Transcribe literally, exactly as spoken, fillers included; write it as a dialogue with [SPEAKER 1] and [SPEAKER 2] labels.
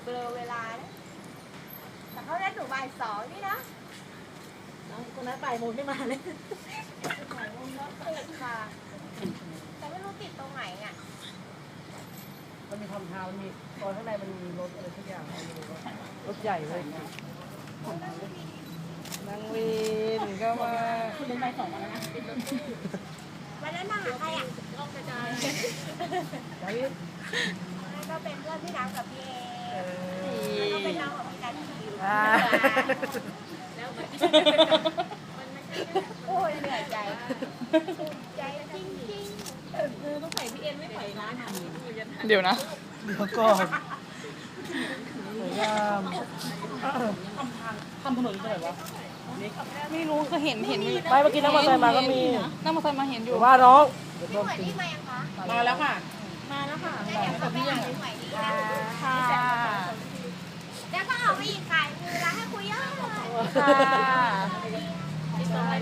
[SPEAKER 1] เบลอเวลานะแต่เขาได้หนูบ่ายสองนี่นะ
[SPEAKER 2] คนนั้นบ่ายโมงไม่มาเลย
[SPEAKER 1] บ่ายโมงรถติดค่ะแต่ไม่รู้ติดตรงไหนอ่ะ
[SPEAKER 3] มันมีทำทางมันมีตอนข้างในมันมีรถอะไรทุกอย่างรถใหญ่เลยนั่งวินก็มา
[SPEAKER 2] คุณเป็นบ่ายสองมาแล้วนะ
[SPEAKER 1] วันนั้นมาหาใครอ่ะลองกระจายนั่นก็เป็นเพื่อนพี่น้ำกับพี่เอแล้วก็เป็นน้องของพี่นัทคิวแล้วโอ้ยเหนื่อยใจใจจริงจริง
[SPEAKER 2] เออต้องใส่พี่เอ็นไม่ใส่ร้านอ่ะ
[SPEAKER 4] เดี๋ยวนะ
[SPEAKER 3] เดี๋ยวก่อนสวยงาม
[SPEAKER 2] ทำถนนที่ไหนวะ
[SPEAKER 4] ไม่รู้ก็เห็นเห็น
[SPEAKER 3] ไปเมื่อกี้นั่งมอเตอร์ไซค์มาก็มี
[SPEAKER 4] นั่งมอเตอร์ไซค์มาเห็นอยู่
[SPEAKER 3] ว่าน้อง
[SPEAKER 1] พี่หมวยนี่มายังคะ
[SPEAKER 2] มาแล้วค่ะ
[SPEAKER 1] มาแล้วค่ะเดี๋ยวเขาไปหาพี่หมวยดี
[SPEAKER 4] ค่ะ
[SPEAKER 1] แล้วก็ออกไปอีกขายคือร้านให้คุยเยอะเลย
[SPEAKER 4] ค่ะ